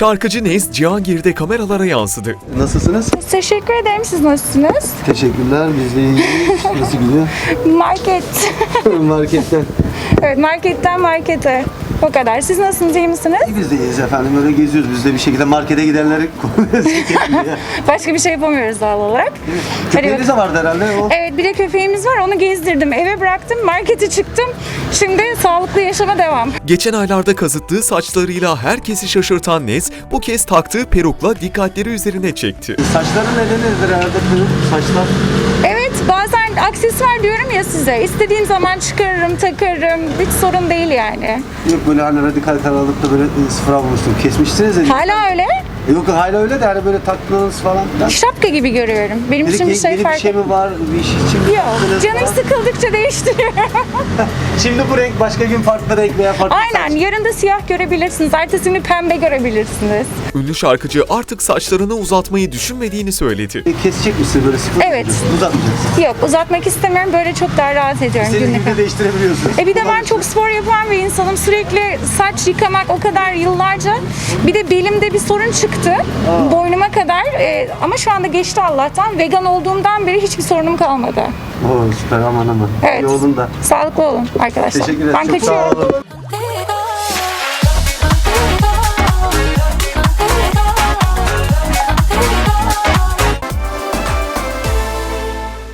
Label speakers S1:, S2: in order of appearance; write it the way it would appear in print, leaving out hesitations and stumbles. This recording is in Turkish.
S1: Şarkıcı Nez Cihangir'de kameralara yansıdı.
S2: Nasılsınız?
S3: Teşekkür ederim. Siz nasılsınız?
S2: Teşekkürler. Biz de iyiyiz. Nasıl gidiyor?
S3: Market.
S2: Marketten.
S3: Evet, marketten markete. O kadar. Siz nasılsınız? İyi misiniz?
S2: Biz de iyiyiz efendim. Öyle geziyoruz. Biz de bir şekilde markete gidenleri
S3: Başka bir şey yapamıyoruz doğal olarak.
S2: Köpeğiniz de vardı herhalde. O...
S3: Evet, bir de köpeğimiz var. Onu gezdirdim. Eve bıraktım. Markete çıktım. Şimdi sağlıklı yaşama devam.
S1: Geçen aylarda kazıttığı saçlarıyla herkesi şaşırtan Nez, bu kez taktığı perukla dikkatleri üzerine çekti.
S2: Saçların nedenidir herhalde peruk, saçlar.
S3: Evet, bazen aksesuar diyorum ya size. İstediğim zaman çıkarırım, takarım. Hiç sorun değil yani.
S2: Yok böyle hani radikal karar alıp da böyle sıfıra vurmuştum. Kesmiştiniz de.
S3: Hala öyle.
S2: Yok hala öyle de hani böyle taktınız falan filan.
S3: Şapka gibi görüyorum. Benim için bir şey
S2: yeni bir
S3: fark
S2: şey
S3: etmiyor.
S2: mi var? Bir iş için mi
S3: Yok,
S2: yaptınız
S3: canım
S2: falan?
S3: sıkıldıkça değiştiriyorum.
S2: Şimdi bu renk başka gün farklı renk veya farklı
S3: Aynen,
S2: saç.
S3: yarın da siyah görebilirsiniz. Ertesi günü pembe görebilirsiniz.
S1: Ünlü şarkıcı artık saçlarını uzatmayı düşünmediğini söyledi.
S2: Kesecek misin böyle sıfır?
S3: Evet.
S2: Uzatmayacaksın.
S3: Yok, uzatmak istemiyorum. Böyle çok daha rahat ediyorum
S2: İstediğin
S3: günlük.
S2: gibi değiştirebiliyorsun.
S3: Bir de ben çok spor yapan bir insanım. Sürekli saç yıkamak o kadar yıllarca. Bir de belimde bir sorun çıktı. Boynuma kadar. Ama şu anda geçti Allah'tan. Vegan olduğumdan beri hiçbir sorunum kalmadı.
S2: Oo süper aman aman.
S3: Evet.
S2: Yolunda.
S3: Sağlıklı olun arkadaşlar.
S2: Teşekkür ederim.
S3: Ben
S2: Çok sağ
S3: kaçıyorum.
S2: olun.